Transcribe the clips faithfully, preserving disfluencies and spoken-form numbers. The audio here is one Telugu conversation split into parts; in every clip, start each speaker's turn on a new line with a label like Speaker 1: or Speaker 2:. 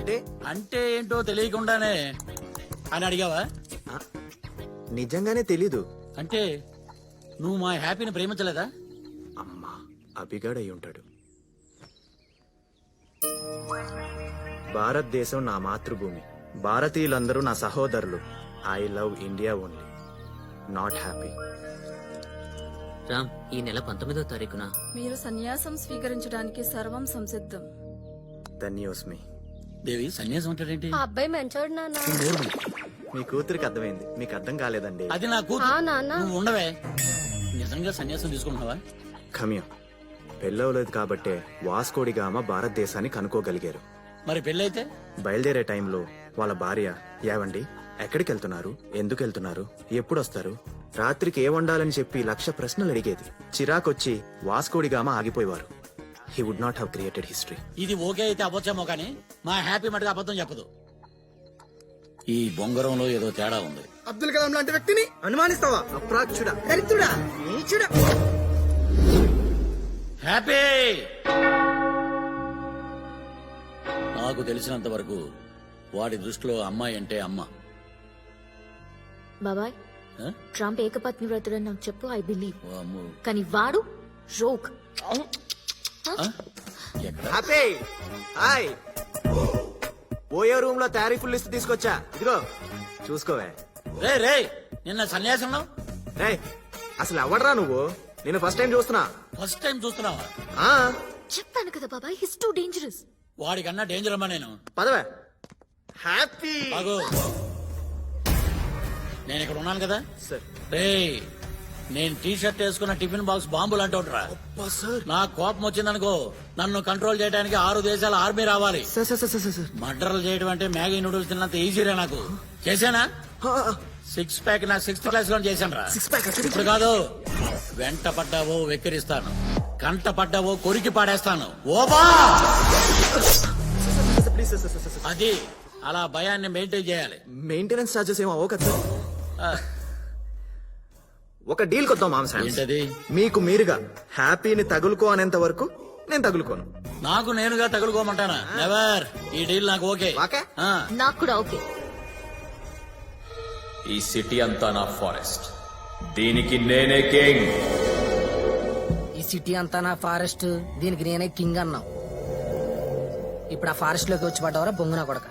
Speaker 1: అంటే
Speaker 2: అంటే ఏంటో తెలియకుండానే అని అడిగావా?
Speaker 1: నిజంగానే తెలీదు.
Speaker 2: అంటే నువ్వు మా హ్యాపీని ప్రేమించలేదా?
Speaker 1: అమ్మా అభిగాడు అయి ఉంటాడు. భారతదేశం నా మాతృభూమి, భారతీయులందరూ నా సహోదరులు. I love India only, not happy.
Speaker 3: Ram, ఈ నెల పంతొమ్మిదో తారీఖున
Speaker 4: మీరు సన్యాసం స్వీకరించడానికి సర్వం సంసిద్ధం.
Speaker 1: ధన్యోస్మి.
Speaker 2: దేవి సన్యాసం అంటాడేంటి?
Speaker 5: ఆ అబ్బాయి మంచోడు నాన్న.
Speaker 1: మీ కూతురికి అర్థమైంది, మీకు అర్థం కాలేదండి.
Speaker 2: అది నా
Speaker 5: ఆ
Speaker 2: కూతురు.
Speaker 5: నాన్న
Speaker 2: నువ్వు ఉండవే. నిజంగా సన్యాసం తీసుకుంటున్నావా?
Speaker 1: ఖమ్యం పెళ్ళవలేదు కాబట్టే వాస్కోడిగామ భారతదేశాన్ని కనుక్కోగలిగారు.
Speaker 2: మరి పెళ్ళైతే?
Speaker 1: బయలుదేరే టైంలో వాళ్ళ భార్య, ఏవండి ఎక్కడికి వెళ్తున్నారు, ఎందుకు వెళ్తున్నారు, ఎప్పుడు వస్తారు, రాత్రికి ఏ వండాలని చెప్పి లక్ష ప్రశ్నలు అడిగేది. చిరాకొచ్చి వాస్కోడిగామ ఆగిపోయేవారు. He would not have created history.
Speaker 2: ఇది ఓకే అయితే అవ్వచ్చేమో కానీ మా హ్యాపీ మటుకు అబద్ధం చెప్పదు. ఈ బొంగరంలో ఏదో తేడా ఉంది.
Speaker 6: అబ్దుల్ కలాం లాంటి వ్యక్తిని అనుమానిస్తావా? అప్రాచ్యుడా, దరిద్రుడా, నీచుడా.
Speaker 2: హ్యాపీ నాకు తెలిసినంత వరకు వాడి దృష్టిలో అమ్మాయి అంటే అమ్మ.
Speaker 5: బాబాయ్,
Speaker 2: ఆ?
Speaker 5: ట్రంప్ ఏకపత్ని వ్రతుడని నాకు చెప్పు, ఐ బిలీవ్.
Speaker 2: ఓ అమ్మో.
Speaker 5: కానీ వాడు రోక్.
Speaker 2: ఆ? ఎక్కడ?
Speaker 1: Happy hi. ఓయో రూమ్ లో తారీఫుల్ లిస్ట్ తీసుకొచ్చా, ఇదిగో చూసుకోవే.
Speaker 2: రే రే నిన్న సన్యాసంలో
Speaker 1: రే అసలు ఎవడరా నువ్వు? నేను ఫస్ట్ టైం చూస్తున్నా.
Speaker 2: ఫస్ట్ టైం చూస్తున్నావా?
Speaker 1: ఆ
Speaker 5: చెప్పాను కదా బాబాయ్, హిస్ టూ డేంజరస్.
Speaker 2: వాడికన్నా డేంజర్ అమ్మా నేను.
Speaker 1: పదవే. హ్యాపీ
Speaker 2: బాగు నేను ఇక్కడ ఉన్నాను కదా.
Speaker 1: సార్.
Speaker 2: రే నేను టీ షర్ట్ వేసుకున్న టిఫిన్ బాక్స్ బాంబులు అంటుంటరా. నా కోపం వచ్చిందనుకో నన్ను కంట్రోల్ చేయడానికి ఆరు దేశాల ఆర్మీ రావాలి.
Speaker 1: Sir sir sir sir sir.
Speaker 2: మర్డర్లు చేయడం అంటే మ్యాగీ నూడిల్స్ తిన్నంత ఈజీరా నాకు. చేశానా? సిక్స్ ప్యాక్ నా సిక్స్త్ క్లాస్ లో చేశాను రా.
Speaker 1: సిక్స్ ప్యాక్
Speaker 2: ఇప్పుడు కాదు. వెంట పడ్డావో వెక్కిరిస్తాను, కంట పడ్డావో కొరికి పాడేస్తాను. ఓబా
Speaker 1: ప్లీజ్ సార్ సార్ సార్.
Speaker 2: అది అలా భయాన్ని మెయింటైన్ చేయాలి.
Speaker 1: మెయింటెనెన్స్ చార్జెస్ ఏమో అవ్వ కదా సార్.
Speaker 2: ఆ,
Speaker 1: ఒక డీల్ కొద్దాం మామ.
Speaker 2: ఏంటది?
Speaker 1: మీకు మీరుగా హ్యాపీని తగులుకో అనేంత వరకు నేను తగులుకోను.
Speaker 2: నాకు నేనుగా తగులుకోమంటానా? నెవర్. ఈ డీల్ నాకు ఓకే.
Speaker 1: ఓకే?
Speaker 2: ఆ,
Speaker 5: నాకు కూడా ఓకే.
Speaker 7: ఈ సిటీ అంతా నా ఫారెస్ట్, దీనికి నేనే కింగ్.
Speaker 8: ఈ సిటీ అంతా నా ఫారెస్ట్, దీనికి నేనే కింగ్ అన్నావు. ఇప్పుడు ఆ ఫారెస్ట్ లోకి వచ్చి పడ్డవరా బొంగునా కొడక.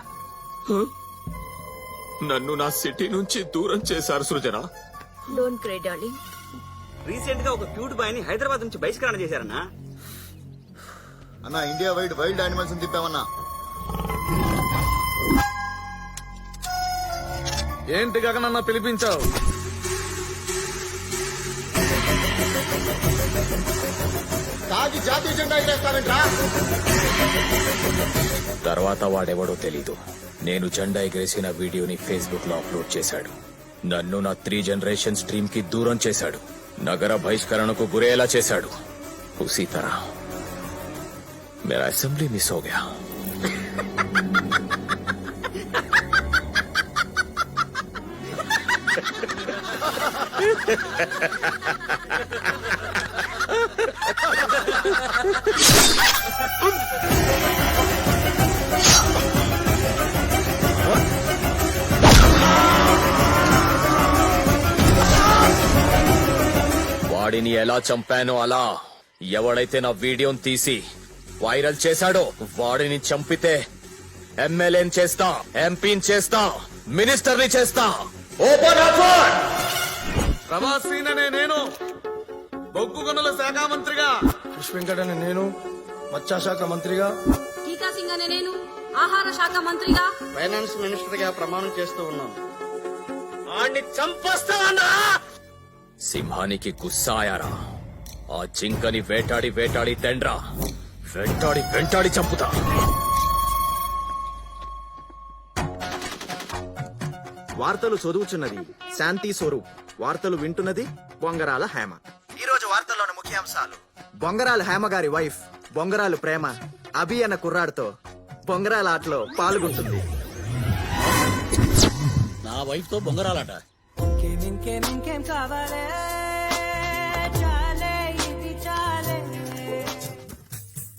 Speaker 7: నన్ను నా సిటీ నుంచి దూరం చేశారు Srujana.
Speaker 5: Don't cry darling.
Speaker 6: Recent గా ఒక క్యూట్ బాయ్ ని హైదరాబాద్ నుంచి బహిష్కరణ చేశారన్నా.
Speaker 9: అన్నా ఇండియా వైడ్ వైల్డ్ యానిమల్స్ తిప్పామన్నా.
Speaker 6: ఏంటి గగనన్న పిలిపించావు?
Speaker 9: తాగి జాతీయ జెండా ఎగరేస్తారంట్రా.
Speaker 7: తర్వాత వాడెవడో తెలీదు, నేను జెండా ఎగరేసిన వీడియోని ఫేస్బుక్ లో అప్లోడ్ చేశాడు. నన్ను నా త్రీ జనరేషన్ స్ట్రీమ్ కి దూరం చేశాడు, నగర బహిష్కరణకు గురేలా చేశాడు. ఉసీ తరహ మేరా అసెంబ్లీ మిస్ హో గయా. వాడిని ఎలా చంపానో అలా ఎవడైతే నా వీడియోని తీసి వైరల్ చేశాడో వాడిని చంపితే ఎమ్మెల్యేని చేస్తా, ఎంపీని చేస్తా, మినిస్టర్ని చేస్తా. Open offer.
Speaker 6: ప్రభాసీననే నేను బొగ్గు గనుల శాఖ మంత్రిగా,
Speaker 9: విశ్వెంకట్ అనే నేను మత్స్యశాఖ మంత్రిగా,
Speaker 4: టీకా సింగ్ అనే నేను ఆహార శాఖ మంత్రిగా,
Speaker 6: ఫైనాన్స్ మినిస్టర్ గా ప్రమాణం చేస్తూ ఉన్నాను.
Speaker 2: వాడిని చంపేస్తావన్నా?
Speaker 7: సింహానికి గుస్సా ఆయారా. ఆ జింకని వేటాడి వేటాడి తెండ్రా, వెంటాడి వెంటాడి చంపుతా.
Speaker 1: వార్తలు చదువుచున్నది శాంతి స్వరూప్, వార్తలు వింటున్నది బొంగరాల హేమ. ఈ రోజు వార్తల్లోని ముఖ్యాంశాలు: బొంగరాల హేమ గారి వైఫ్ బొంగరాలు ప్రేమ అభి అన్న కుర్రాడితో బొంగరాల ఆటలో పాల్గొంటుంది.
Speaker 2: నా వైఫ్ తో బొంగరాలట.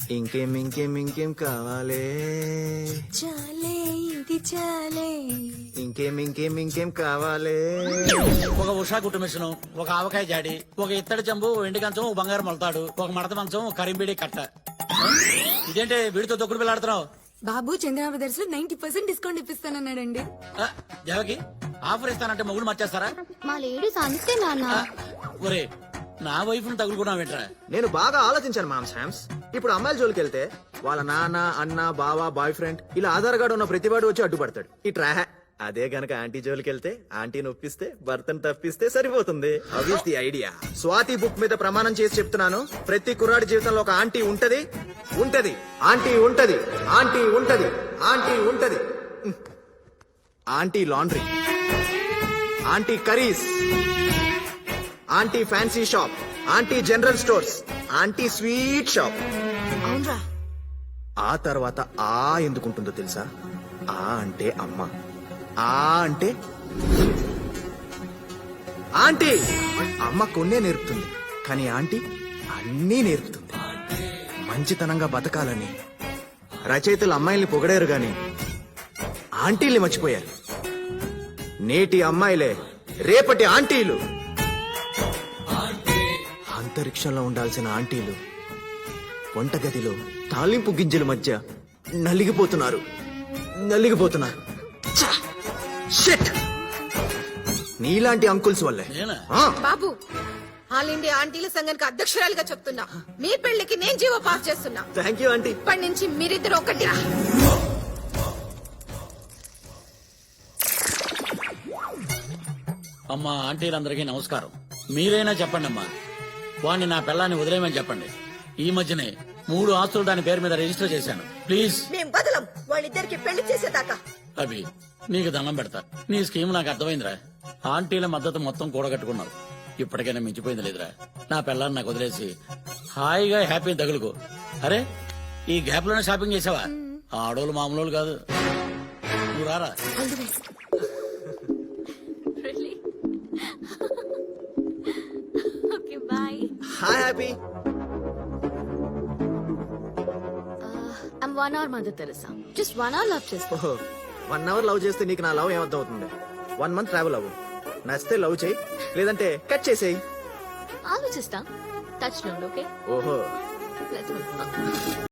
Speaker 1: ఇంకేం ఇంకేం ఇంకేం కావాలే
Speaker 4: చాలే ఇది చాలే.
Speaker 1: ఇంకేం ఇంకేం ఇంకేం కావాలే
Speaker 2: ఒక ఉషా కుట్టు మిషన్, ఒక ఆవకాయ జాడి, ఒక ఇత్తడి చెంబు, ఓ ఎండి కంచం, ఓ బంగారు మొలతాడు, ఒక మడత మంచం, ఒక కరింబిడి కట్ట. ఇదేంటి వీడితో తొక్కుడు పిల్లాడుతున్నావు?
Speaker 4: బాబు చంద్ర బ్రదర్స్ లో నైన్టీ పర్సెంట్ డిస్కౌంట్ ఇప్పిస్తానన్నాడండి.
Speaker 2: ఆ, దేవకి ఆఫర్ ఇస్తానంటే మొగుడు మర్చేస్తారా?
Speaker 5: మా లేడీస్ అంతే నాన్న.
Speaker 2: ఆ, ఒరే నా వైఫ్ ను తగులుకున్నావు ఏంట్రా?
Speaker 1: నేను బాగా ఆలోచించాను మామ్ శామ్స్. ఇప్పుడు అమ్మాయిల జోలికి వెళ్తే వాళ్ళ నాన్న అన్న బావ బాయ్ ఫ్రెండ్ ఇలా ఆధార్ కార్డు ఉన్న ప్రతివాడు వచ్చి అడ్డుపడతాడు. ఈ ట్రా అదే గనక ఆంటీ జోలికి వెళ్తే ఆంటీని ఒప్పిస్తే భర్తను తప్పిస్తే సరిపోతుంది. అవిస్ ది ఐడియా. స్వాతి బుక్ మీద ప్రమాణం చేసి చెప్తున్నాను, ప్రతి కుర్రాడి జీవితంలో ఒక ఆంటీ ఉంటది ఉంటది ఆంటీ ఉంటది ఆంటీ ఉంటది ఆంటీ ఉంటది. Aunty laundry, aunty curries, aunty fancy shop, aunty general stores, aunty sweet shop.
Speaker 4: అవునరా.
Speaker 1: ఆ తర్వాత ఆ ఎందుకుంటుందో తెలుసా? ఆ అంటే అమ్మ, ఆ అంటే ఆంటీ. అమ్మ కొన్నే నేర్పుతుంది, కానీ ఆంటీ అన్నీ నేర్పుతుంది. మంచితనంగా బతకాలని రచయితలు అమ్మాయిల్ని పొగడారు గాని ఆంటీల్ని మర్చిపోయారు. నేటి అమ్మాయిలే రేపటి ఆంటీలు. అంతరిక్షంలో ఉండాల్సిన ఆంటీలు వంటగదిలో తాలింపు గింజల మధ్య నలిగిపోతున్నారు నలిగిపోతున్నారు. ఛ! షిట్! నీలాంటి అంకుల్స్ వల్లే.
Speaker 2: నేనా?
Speaker 1: ఆ,
Speaker 10: బాబు, ఆల్ ఇండియా ఆంటీల సంఘానికి అధ్యక్షురాలిగా చెప్తున్నా, మీ పెళ్లికి నేను జీవో పాస్ చేస్తున్నా.
Speaker 1: Thank you aunty.
Speaker 10: ఇప్పటి నుంచి మీరిద్దరు ఒకటి.
Speaker 2: అమ్మా ఆంటీలందరికీ నమస్కారం. మీరైనా చెప్పండి అమ్మా, వాణ్ణి నా పిల్లాన్ని వదిలేయమని చెప్పండి. ఈ మధ్యనే మూడు ఆస్తులు దాని పేరు మీద రిజిస్టర్ చేశాను. ప్లీజ్.
Speaker 10: మేం బదలం వాళ్ళిద్దరికి పెళ్లి చేసేదాకా.
Speaker 2: అభి నీకు దండం పెడతా. నీ స్కీమ్ నాకు అర్థమైందిరా. ఆంటీల మద్దతు మొత్తం కూడగట్టుకున్నావు. ఇప్పటికైనా మించిపోయింది లేదురా. నా పిల్లాన్ని నాకు వదిలేసి హాయిగా హ్యాపీ తగులుకో. అరే ఈ గ్యాప్ లోనే షాపింగ్ చేసావా? ఆడోళ్ళు మామూలు కాదు. నువ్వు రారా.
Speaker 5: Okay bye.
Speaker 1: Hi happy.
Speaker 5: I'm one hour mother Teresa. Just one hour love చేస్తా.
Speaker 1: ఓహో, వన్ అవర్ లవ్ చేస్తే నీకు నా లవ్ ఏమర్థం అవుతుంది? వన్ మంత్ ట్రావెల్ అవ్వు. నచ్చితే లవ్ చేయి, లేదంటే కట్ చేసేయి.
Speaker 5: ఆలోచిస్తా. టచ్ లో ఓకే.
Speaker 1: ఓహో,
Speaker 5: లెట్స్ గో.